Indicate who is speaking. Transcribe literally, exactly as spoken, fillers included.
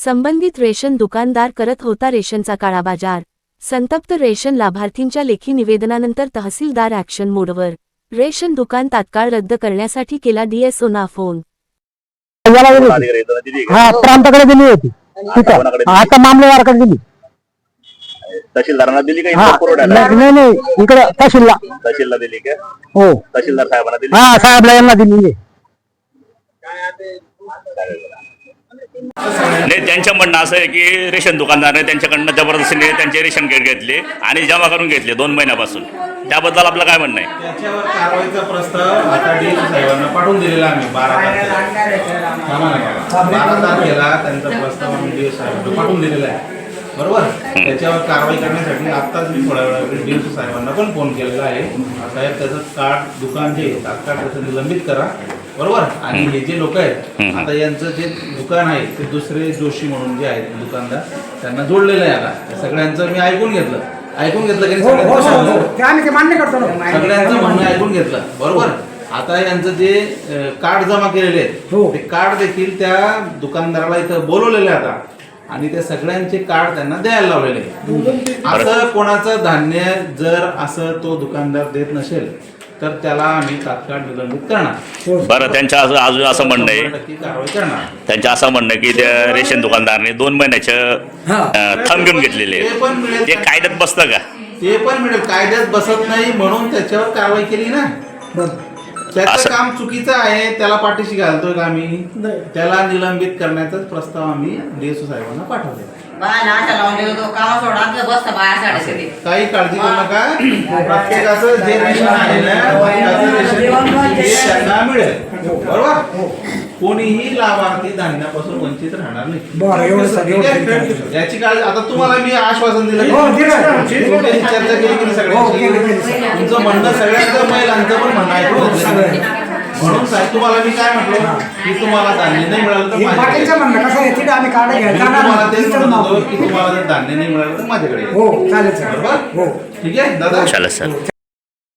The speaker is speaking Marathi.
Speaker 1: संबंधित रेशन दुकानदार करत होता रेशनचा काळाबाजार। संतप्त रेशन लाभार्थींच्या लेखी निवेदनानंतर तहसीलदार ॲक्शन मोडवर। रेशन दुकान तात्काळ रद्द करण्यासाठी केला डीएसओना फोन।
Speaker 2: हा प्रांताकडे दिली होती, आता मामलेदाराकडे दिली।
Speaker 3: तहसीलदारांना दिली का?
Speaker 2: नाही नाही, इकडे तहसीलला
Speaker 3: तहसीलला दिली का?
Speaker 2: हो,
Speaker 3: तहसीलदार साहेबांना दिली?
Speaker 2: हा साहेबला यांना दिली।
Speaker 3: नाही, त्यांचं म्हणणं असं आहे की रेशन दुकानदाराने त्यांच्याकडनं जबरदस्तीने त्यांचे रेशन कार्ड घेतले आणि जमा करून घेतले दोन महिन्यापासून। त्याबद्दल आपलं काय म्हणणं आहे?
Speaker 4: त्याच्यावर कारवाईचा प्रस्ताव आता डी साहेबांना पाठवून दिलेला आम्ही बारा तारखेला बारा तारखेला त्यांचा प्रस्ताव आम्ही डी साहेबांना पाठवून दिलेला आहे, बरोबर। त्याच्यावर कारवाई करण्यासाठी आत्ताच मी थोड्या वेळा डी साहेबांना पण फोन केलेला आहे। साहेब त्याचं कार्ड दुकान जे तात्काळ त्याचं निलंबित करा, बरोबर। आणि हे जे लोक आहेत आता यांचं जे दुकान आहे ते दुसरे जोशी म्हणून जे आहेत दुकानदार त्यांना जोडलेलं आहे। आता सगळ्यांचं मी ऐकून घेतलं ऐकून घेतलं की सगळ्यांचं म्हणणं ऐकून घेतलं, बरोबर। आता यांचं जे कार्ड जमा केलेले आहेत ते कार्ड देखील त्या दुकानदाराला इथं बोलवलेले आता आणि ते सगळ्यांचे कार्ड त्यांना द्यायला लावलेले। असं कोणाचं धान्य जर असं तो दुकानदार देत नसेल तर त्याला आम्ही तात्काळ निलंबित करणार।
Speaker 3: बरं, त्यांचं असं अजून असं म्हणणं आहे
Speaker 4: कारवाई करणार।
Speaker 3: त्यांचं असं म्हणणं की त्या रेशन दुकानदाराने दोन महिन्याचं थंब घेऊन घेतलेले ते कायद्यात बसतं का?
Speaker 4: ते पण मिळेल, कायद्यात बसत नाही म्हणून त्याच्यावर कारवाई केली ना। त्याचं काम चुकीचं आहे, त्याला पाठीशी घालतोय का आम्ही? त्याला निलंबित करण्याचाच प्रस्ताव आम्ही डीएसओ साहेबांना पाठवले। काही काळजी करू नका, प्रत्येकाचं जे रेशन आहे ना त्यांना मिळेल, बरोबर। कोणीही लाभार्थी धान्यापासून वंचित राहणार नाही याची काळजी। आता तुम्हाला मी आश्वासन दिलं, चर्चा केली की सगळ्यांची, तुमचं म्हणणं सगळ्यांचं महिलांचं पण म्हणणं ऐकून म्हणून साहेब तुम्हाला मी काय म्हटलं की तुम्हाला धान्य नाही मिळालं तर तुम्हाला तेच म्हणत होतो की तुम्हाला जर धान्य नाही मिळालं तर माझ्याकडे, बरोबर। ठीक आहे दादा,
Speaker 3: चालेल सर।